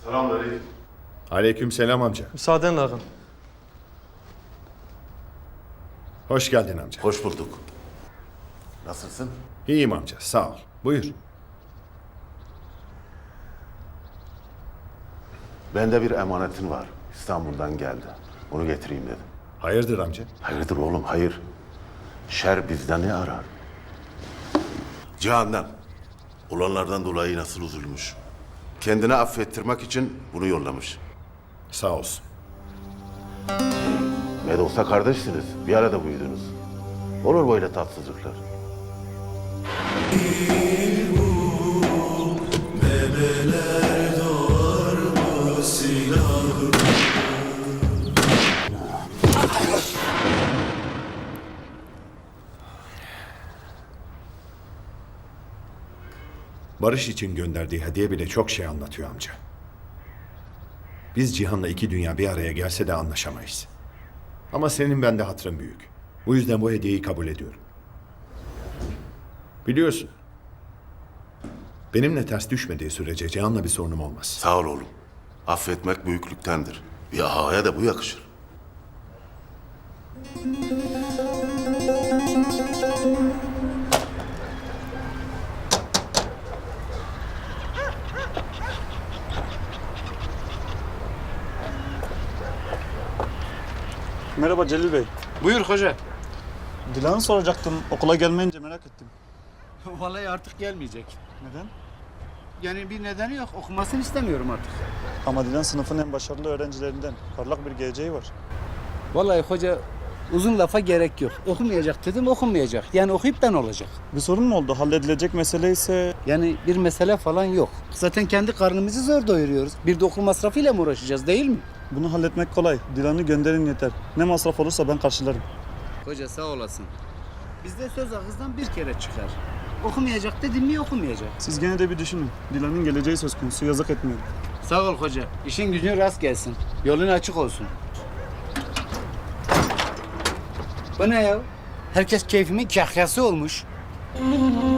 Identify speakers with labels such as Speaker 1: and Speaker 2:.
Speaker 1: Selamünaleyküm.
Speaker 2: Aleykümselam amca.
Speaker 3: Müsaadenle ağam.
Speaker 2: Hoş geldin amca.
Speaker 1: Hoş bulduk. Nasılsın?
Speaker 2: İyiyim amca, sağ ol. Buyur.
Speaker 1: Bende bir emanetin var. İstanbul'dan geldi. Onu getireyim dedim.
Speaker 2: Hayırdır amca?
Speaker 1: Hayırdır oğlum, hayır. Şer bizden ne arar? Cihan'dan. Olanlardan dolayı nasıl üzülmüş. Kendini affettirmek için bunu yollamış.
Speaker 2: Sağ olsun.
Speaker 1: Ne de olsa kardeşsiniz. Bir arada büyüdünüz. Olur böyle tatsızlıklar.
Speaker 2: Barış için gönderdiği hediye bile çok şey anlatıyor amca. Biz Cihan'la iki dünya bir araya gelse de anlaşamayız. Ama senin bende hatırın büyük. Bu yüzden bu hediyeyi kabul ediyorum. Biliyorsun, benimle ters düşmediği sürece Cihan'la bir sorunum olmaz.
Speaker 1: Sağ ol oğlum. Affetmek büyüklüktendir. Bir ağaya da bu yakışır.
Speaker 4: Merhaba Celil Bey.
Speaker 5: Buyur hoca.
Speaker 4: Dilan'ı soracaktım. Okula gelmeyince merak ettim.
Speaker 5: Vallahi artık gelmeyecek.
Speaker 4: Neden?
Speaker 5: Yani bir nedeni yok. Okumasını istemiyorum artık.
Speaker 4: Ama Dilan sınıfın en başarılı öğrencilerinden. Parlak bir geleceği var.
Speaker 5: Vallahi hoca uzun lafa gerek yok. Okumayacak dedim, okumayacak. Yani okuyup da ne olacak?
Speaker 4: Bir sorun mu oldu? Halledilecek mesele ise...
Speaker 5: Yani bir mesele falan yok. Zaten kendi karnımızı zor doyuruyoruz. Bir de okul masrafıyla mı uğraşacağız değil mi?
Speaker 4: Bunu halletmek kolay. Dilan'ı gönderin yeter. Ne masraf olursa ben karşılarım.
Speaker 5: Hoca sağ olasın. Bizde söz ağızdan bir kere çıkar. Okumayacak dedim mi okumayacak.
Speaker 4: Siz gene de bir düşünün. Dilan'ın geleceği söz konusu. Yazık etmiyorum.
Speaker 5: Sağ ol hoca. İşin gücün rast gelsin. Yolun açık olsun. Bu ne ya? Herkes keyfimin kahyası olmuş.